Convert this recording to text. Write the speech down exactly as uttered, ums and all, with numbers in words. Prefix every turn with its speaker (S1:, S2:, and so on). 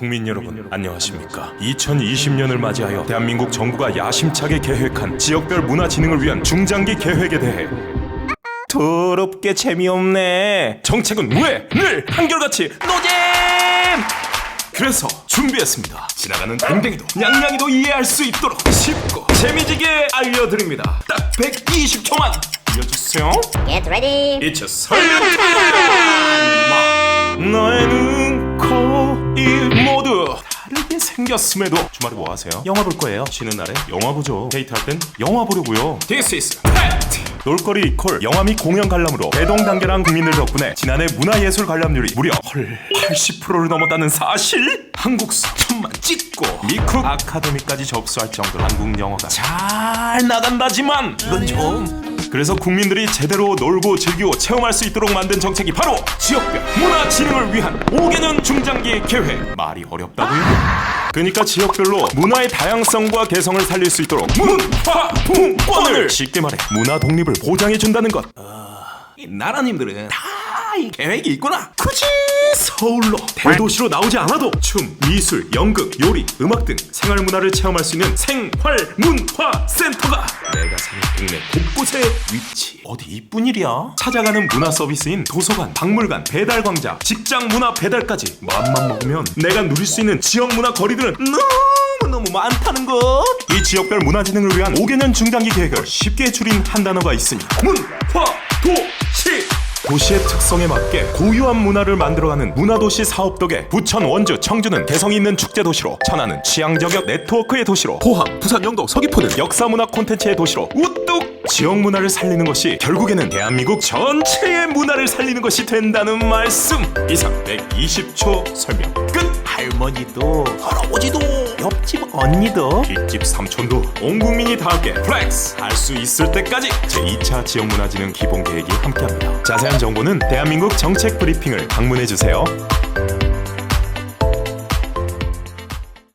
S1: 국민 여러분 안녕하십니까. 이천이십 년을 맞이하여 대한민국 정부가 야심차게 계획한 지역별 문화 진흥을 위한 중장기 계획에 대해 더럽게 재미없네. 정책은 왜 늘 한결같이 노잼. 그래서 준비했습니다. 지나가는 댕댕이도 냥냥이도 이해할 수 있도록 쉽고 재미지게 알려드립니다. 딱 백이십 초만 이어주세요.
S2: Get ready.
S1: 이츠 설명. 너의 눈, 코, 입 모두 다르게 생겼음에도 주말에 뭐 하세요? 영화 볼 거예요. 쉬는 날에 영화 보죠. 데이트할 땐 영화 보려고요. This is fact. 놀거리 이퀄 영화 및 공연 관람으로 대동단계한 국민들 덕분에 지난해 문화예술 관람률이 무려 헐 팔십 퍼센트를 넘었다는 사실. 한국수 천만 찍고 미국 아카데미까지 접수할 정도로 한국 영화가 잘 나간다지만 이건 좀 그래서 국민들이 제대로 놀고 즐기고 체험할 수 있도록 만든 정책이 바로 지역별 문화 진흥을 위한 오 개년 중장기 계획. 말이 어렵다고요? 그러니까 지역별로 문화의 다양성과 개성을 살릴 수 있도록 문화분권을, 쉽게 말해 문화 독립을 보장해준다는 것. 어... 이 나라님들은 다 이 계획이 있구나. 굳이 서울로 대도시로 나오지 않아도 춤, 미술, 연극, 요리, 음악 등 생활문화를 체험할 수 있는 생활문화센터가 내가 사는 동네 곳곳에 위치. 어디 이쁜 일이야? 찾아가는 문화 서비스인 도서관, 박물관, 배달광장, 직장 문화 배달까지 마음만 먹으면 내가 누릴 수 있는 지역문화 거리들은 너무너무 많다는 것. 이 지역별 문화 진흥을 위한 오 개년 중장기 계획을 쉽게 줄인 한 단어가 있으니 문화도시. 도시의 특성에 맞게 고유한 문화를 만들어가는 문화도시 사업 덕에 부천, 원주, 청주는 개성이 있는 축제도시로, 천안은 취향저격 네트워크의 도시로, 포항, 부산, 영도, 서귀포는 역사문화 콘텐츠의 도시로 우뚝 지역 문화를 살리는 것이 결국에는 대한민국 전체의 문화를 살리는 것이 된다는 말씀. 이상 백이십 초 설명 끝. 할머니도 할아버지도 옆집 언니도 뒷집 삼촌도 온 국민이 다 함께 플렉스 할 수 있을 때까지 제이 차 지역문화진흥 기본계획이 함께합니다. 자세한 정보는 대한민국 정책 브리핑을 방문해주세요.